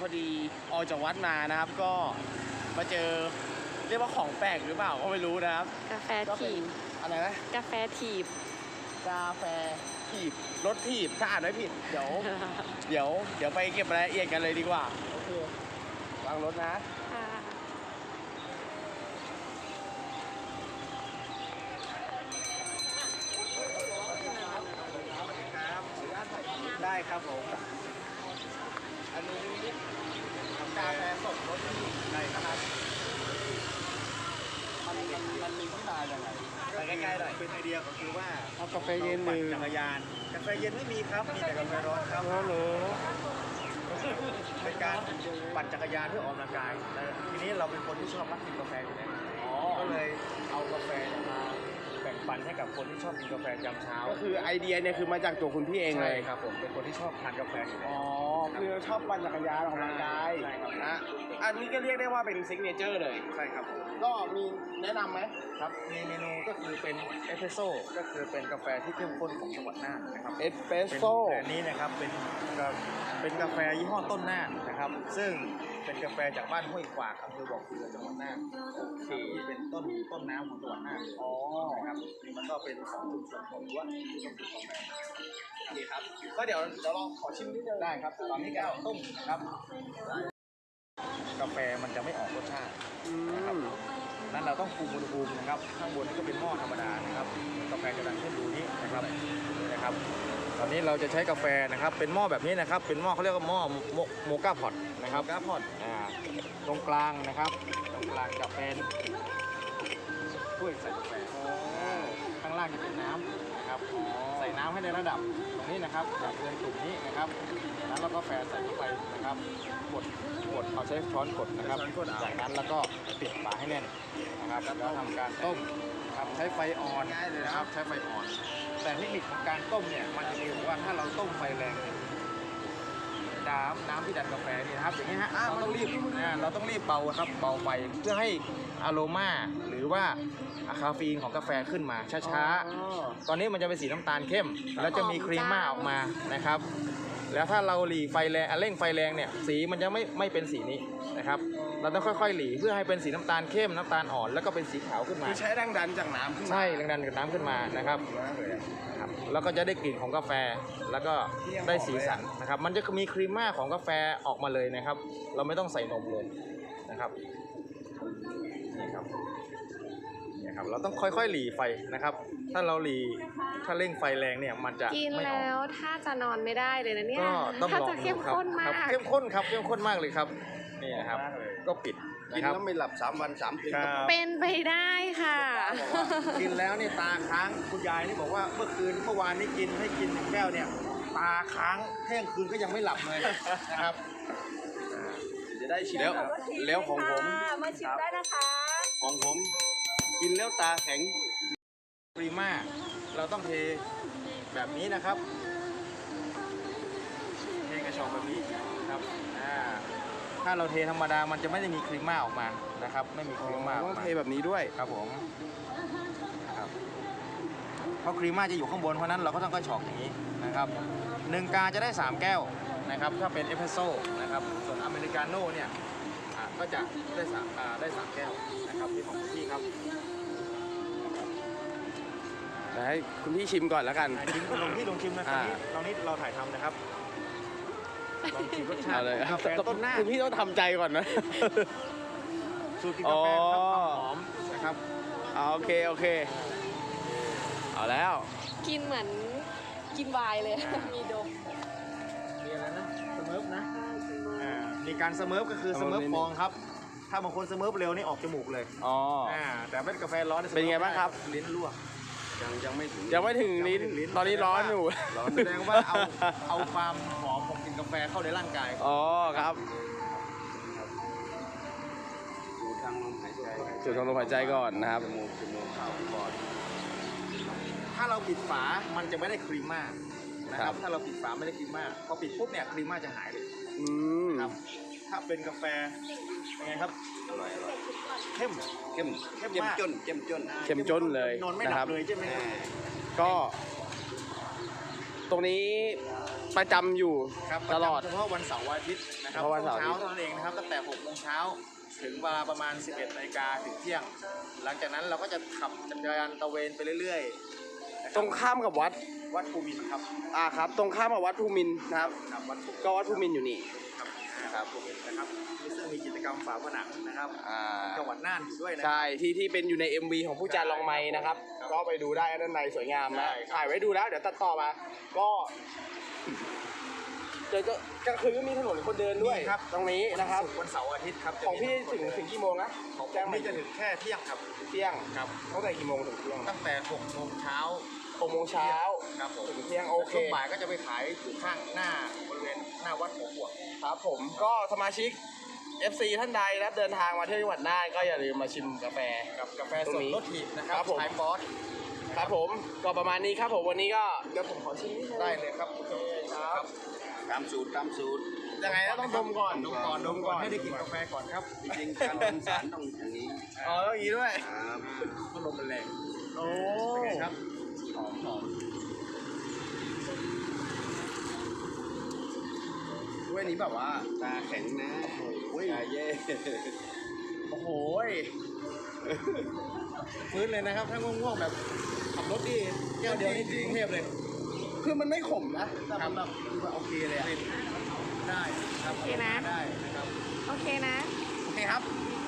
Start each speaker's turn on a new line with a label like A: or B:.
A: พอดีออกจากวัดมานะครับก็มาเจอเรียกว่าของแปลกหรือเปล่าก็ไม่รู้นะครับ
B: กาแฟถีบ
A: อะไรนะ
B: กาแฟถีบ
A: กาแฟถีบรถถีบถ้าอ่านไม่ผิดเดี๋ยวไปเก็บรายละเอียดกันเลยดีกว่าโอเควางรถนะได้ครับผมอันนี้กาแฟสดรสที่ไหนนะครับมันมีที่มาอย่างไรไปใกล้ๆหน่อยเป็นไอเดียก็คือว่า
C: เอากาแฟเย็นหนึ่ง
A: จักรยานกาแฟเย็นไม่มีครับมีแต่กาแฟร้อนครับเป็นการปั่นจักรยานเพื่อออกกำลังกายทีนี้เราเป็นคนที่ชอบรักกินกาแฟอยู่แล้วก็เลยเอากาแฟมาแบ่งปันให้กับคนที่ชอบกินกาแฟยามเช้าก็คือไอเดียเนี่ยคือมาจากตัวคุณพี่เองเลยครับผมเป็นคนที่ชอบทานกาแฟอยู่แล้วคือชอบปั่นจักรยานออกกำลังกายใช่ครับนะอันนี้ก็เรียกได้ว่าเป็นซิกเนเจอร์เลยใช่ครับผมก็มีแนะนำไหมครับมีเมนูก็คือเป็นเอสเปรสโซ่ก็คือเป็นกาแฟที่เข้มข้นของจังหวัดน่านนะครับเอสเปรสโซ่อันนี้นะครับเป็นกาแฟยี่ห้อต้นน่านนะครับซึ่งเป็นกาแฟจากบ้านห้วยขวากอำเภอบ่อเกลือจังหวัดน่านที่เป็นต้นน้ำของจังหวัดน่านนะครับมันก็เป็นของชุมชนของรั้วที่ต้องดื่มกาแฟนี่ครับก็เดี๋ยวลองขอชิมนิดนึงได้ครับตอนนี้แก้วต้มนะครับกาแฟมันจะไม่ออกรสชาตินะครับนั้นเราต้องคุมอุณหภูมินะครับข้างบนนี่ก็เป็นหม้อธรรมดานะครับกาแฟจะดังขึ้นดูนี้นะครับตอนนี้เราจะใช้กาแฟนะครับเป็นหม้อแบบนี้นะครับเป็นหม้อเขาเรียกว่าหม้อโมก้าพอตนะครับตรงกลางนะครับตรงกลางจะเป็นถ้วยใส่กาแฟข้างล่างจะเป็นน้ำนะครับใส่น้ำให้ในระดับตรงนี้นะครับแบบเรียงตุ่มนี้นะครับแล้วเราก็กาแฟใส่เข้าไปนะครับกดเอาใช้ช้อนกดนะครับจากนั้นแล้วก็ปิดฝาให้แน่นนะครับแล้วทำการต้มนะครับใช้ไฟอ่อนนะครับใช้ไฟอ่อนแต่เทคนิคของการต้มเนี่ยมันจะมีอยู่ว่าถ้าเราต้มไฟแรงน้ำที่ดันกาแฟนี่นะครับอย่างนี้ฮะเราต้องรีบเบาครับเบาไฟเพื่อให้อโรมาหรือว่าคาเฟอีนของกาแฟขึ้นมาช้าๆตอนนี้มันจะเป็นสีน้ำตาลเข้มแล้วจะมีครีมม่าออกมานะครับแล้วถ้าเราหลีไฟแรงเร่งไฟแรงเนี่ยสีมันจะไม่เป็นสีนี้นะครับเราต้องค่อยๆหลีเพื่อให้เป็นสีน้ำตาลเข้มน้ำตาลอ่อนแล้วก็เป็นสีขาวขึ้นมาใช้แรงดันจากน้ำขึ้นมาใช่แรงดันจากน้ำขึ้นมานะครับแล้วก็จะได้กลิ่นของกาแฟแล้วก็ได้สีสันนะครับมันจะมีครีมม่าของกาแฟออกมาเลยนะครับเราไม่ต้องใส่นมเลยนะครับนี่ครับเราต้องค่อยๆหลีไฟนะครับถ้าเร่งไฟแรงเนี่ยมันจะ
B: กินแล้วถ้าจะนอนไม่ได้เลยนะเนี่ย
A: ก็ต้องลองดู
B: เข้มข้นมาก
A: เข้มข้นครับเข้มข้นมากเลยครับนี่นะครับก็ปิด
C: กินแล้วไม่หลับ3 วัน 3 คืน
B: เป็นไปได้ค่ะ
A: กินแล้วนี่ตาค้างคุณยายนี่บอกว่าเมื่อวานนี้กินให้กิน1 แก้วเนี่ยตาค้างเที่ยงคืนก็ยังไม่หลับเลยนะครับจะได้ชิมแล้วของผม
B: มาชิมได้นะคะ
C: ของผมกินแล้วตาแข็ง
A: ปรีม่าเราต้องเทแบบนี้นะครับเทกระชอกแบบนี้ครับถ้าเราเทธรรมดามันจะไม่ได้มีครีมม่าออกมานะครับไม่มีครีมม่าต้องเทแบบนี้ด้วยครับผมครับเพราะครีมม่าจะอยู่ข้างบนเพราะนั้นเราก็ต้องกระชอกอย่างนี้นะครับ1 กาจะได้3 แก้วนะครับถ้าเป็นเอสเปรสโซ่นะครับส่วนอเมริกาโน่เนี่ยก็จะได้3 แก้วนะครับที่ของพี่ครับให้คุณพี่ชิมก่อนแล้วกันลองชิมนะตอนนี้เราถ่ายทำนะครับลองชิมรสชาติกาแฟต้นหน้าคุณพี่ต้องทำใจก่อนนะสูตรกินกาแฟครับความหอมนะครับโอเคเอาแล้ว
B: กินเหมือนกินไวน์เลยมีดม
A: มีอะไรนะสเมิร์ฟนะมีการสเมิร์ฟก็คือสเมิร์ฟฟองครับถ้าบางคนสเมิร์ฟเร็วนี่ออกจมูกเลยแต่เป็นกาแฟร้อนเป็นไงบ้างครับลิ้นลวก
C: ยังไม่ถึง
A: ลิ้นตอนนี้ร้อนอยู่แสดงว่าเอาความหอมของกลิ่นกาแฟเข้าในร่างกายครับสูดทางลมหายใจก่อนนะครับ
C: จมูกเข้าก่อน
A: ถ้าเราปิดฝามันจะไม่ได้ครีมม่านะครับถ้าเราปิดฝาไม่ได้ครีมม่าพอปิดปุ๊บเนี่ยครีมม่าจะหายเลยครับถ้าเป็นกาแฟยังไงครับ
C: อร่อย
A: เข้ม
C: จน
A: เลย
C: นอนไม่หลับเลยใช่ไหม
A: ก็ตรงนี้
D: ประจำอยู่
A: ครับ
D: ตลอด
A: เฉพาะวันเสาร์วันอาทิตย์นะครับ
D: เฉพาะวันเสาร์อาทิ
A: เช้า
D: ตย์
A: เท่านั้นเองนะครับตั้งแต่6 โมงเช้าถึงเวลาประมาณ 11 นาฬิกาถึงเที่ยง หลังจากนั้นเราก็จะขับจักรยานตระเวนไปเรื่อยๆนะครับ
D: ตรงข้ามกับวัด
A: วัดภูมินทร์ครับ
D: ครับ ตรงข้ามกับวัดภูมินทร์นะครับ
A: ครับวัดภูมินทร์
D: ก็วัดภูมินทร์อยู่นี่
A: ครับนะครับภูมินทร์นะครับซึ่งมีกิจกรรมฝาผนังนะครับจังหวัดน่านอยู่ด้วยนะ
D: ใช่ที่เป็นอยู่ใน MV ของผู้จารลองไม้นะครับ
A: ครับ
D: ก็ไปดูได้ด้านในสวยงามนะ
A: ใช่ครับ
D: ถ่ายไว้ดูแล้วเดี๋ยวตัดต่อมา ก็เดี๋ยวจะกลางคืนก็มีถนนคนเดินด้วย
A: มีครับ
D: ตรงนี้นะครับ
A: วันเสาร์อาทิตย์ครับ
D: ของพี่ถึงกี่โมงนะ
A: ของ
D: แจ้ง
A: ผม
D: มา
A: นี่จะถึงแค่เที่ยงครับ
D: เที่ยง
A: ครับ
D: ตั้งแต่กี่โมงถึงเที่ยง
A: ตั้งแต่6 โมงเช้า
D: 6 โมงเช้า
A: ครับผม
D: ถึงเที่ยงโอเค
A: ช่วงบ่ายก็จะไปขายอยู่ข้างหน้าบริเวณหน้าวัดหัวขวด
D: ครับผมก็สมาชิก FC ท่านใดนะครับเดินทางมาเที่ยวจังหวัดน่านก็อย่าลืมมาชิมกาแฟ
A: กับกาแฟ
D: ตร
A: ส
D: ง
A: ด
D: นี้
A: รสถีบนะครับ
D: ครับผม
A: ชายฟอส
D: ครับผมก็ประมาณนี้ครับผมวันนี้ก็เดี๋ยวผมขอชิมนิดนึง
A: ได้เลยครับโอเคครับ
C: ตามสูตรตามสูตร
D: ยังไงก็ต้องดมก่อน
A: ดมก่อนให้ได้กลินกาแฟก่อนครับ
C: จริงๆการเป็นสารต้องอย่างนี้
D: อ๋อต้องอย่างนี้ด้วย
C: ครับ
A: พัดลมมันแรง
D: โอ้
A: เป็นไงครับหอม
D: ด้วยนี้แบบว่า
C: ตาแข็งนะโอ้ยเย่
A: โอ้โหฟื้นเลยนะครับถ้าง่วงๆแบบขับรถดีแก้วเดียวนี่ถึงกรุงเทพเลย
D: คือมันไม่ขมนะแต่
A: ครั
D: มั
A: บ
D: นแบบคือแบบโอเคเลยอะ
A: ได้ครับ
B: โอเคนะ
A: ได้นะครับ
B: โอเคนะ
D: โอเคครับ
B: โ